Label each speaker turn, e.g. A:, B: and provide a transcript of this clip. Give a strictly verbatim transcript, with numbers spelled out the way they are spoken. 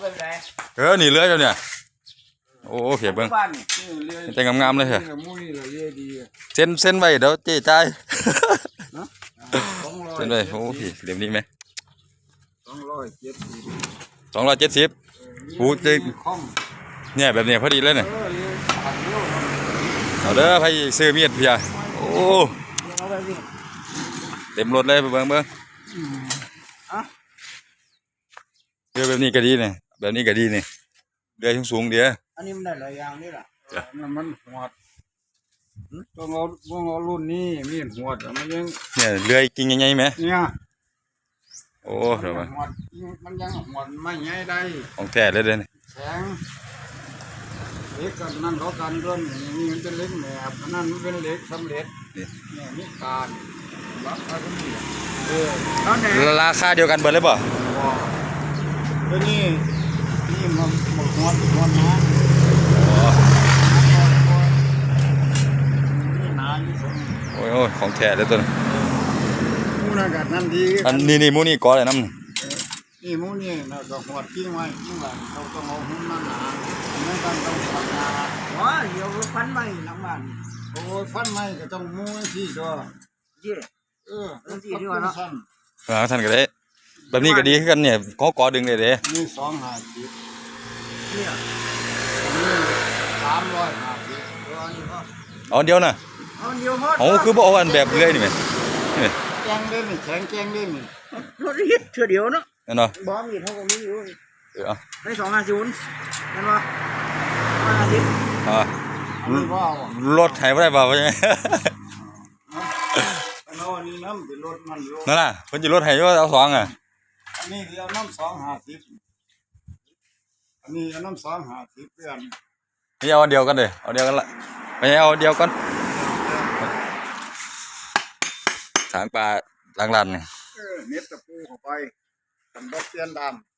A: เป็นไร
B: เออนี่เลื่อยแล้วเนี่ยโอ้เขียบเบิ้งแต่งามๆเลยเหรอเส้นเส้นไว้เดี๋ยวเจ๊จ่ายเส้นไว้โอ้พี่เดี๋ยวนี้ไหมสองร้อยเจ็ดสิบสองร้อยเจ็ดสิบกูเจ๊เนี่ยแบบเนี้ยพอดีเลยเนี่ยเอาเด้อไปซื้อมีดเพียโอ้เต็มรถเลยเบิ้งเบิ้งเรือแบบนี้ก็ดีเนี่ยแบบนี้ก็ดีเนี่ยเรือสูงๆเดียว
A: อันนี้มันได้หลายอย่างนี่แหละ
C: มันหัวต้องเอาต้องเอารุ่นนี้มีหัวมันยัง
B: เนี่ยเรือจริงยังไงไหม
C: เนี่ย
B: โอ้เดี๋ยว
C: มันมันยังหัวไม่ใหญ่ได้
B: ของแท้เลยเด้อ
C: แข็งเล็กกันนั่นเขาการเรื่องนี่มันเป็นเล็กแหนบนั่นมันเป็นเล็กสำเร็จเนี่ยนี่การราคาเท่านี้เออ
B: ราคาเดียวกันเบิดเลยป่ะ
C: ตัวนี้นี่มันหมดหัวหัวนะ
B: โอ้ยโอ้ยของแท้เลยตัวนี้
C: มูนากาศนั่นดี
B: อันนี้นี่มูนี่ก้อนอะไรน้ำ
C: นี่มูนี่เราต้องหัวทิ้งไว้ทิ้งไว้เราต้องเอาหุ้มนั่นหนาไม่ต้องต้องทำงาน
A: ว้าเดี๋ยวฟันไม่หลังบ้าน
C: โอ้ยฟันไม่ก็ต้องมูที่ตัว
A: เย่
C: เออ
A: ที่ดีกว่าเนาะ
B: อ่าท่านก็ได้แบบนี้ก็ดีขึ้นกันเนี่ยเขากอดึงเลยเด้
C: นี่สองห้าสิบ
A: เนี่ย
C: นี่สามร้อยห้าสิบ
B: เอาเดียวนะ
A: เอาเดียวพอ
B: โอ้คือบอกอันแบบเรื่อยนี่ไหม
C: แกงเล่นนี่แข็งแกงเล่นนี่
A: รถฮิตเถื่อเดียวเนาะ
B: เนาะ
A: บอมมีเท่ากับนี้อยู่
B: เออ
A: ให้สองห้าศูนย์นั่นวะห้าสิบ
B: อ่ารถไถไม่ได้เปล่าใช่ไหมนั่นน่ะคนจะรถไถว่าเอาสองอ่ะ
C: อันนี้เอาน้ำสองห้าสิบอันนี้เอาน้ำสองห้าสิบเพื่อน
B: ไม่เอาเดียวกันเลยเอาเดียวกันละไม่เอาเดียวกันถางปลาล้างลันเนี่ย
C: เออเน็ตตะปูเข้าไปกันดอกเตียนดำ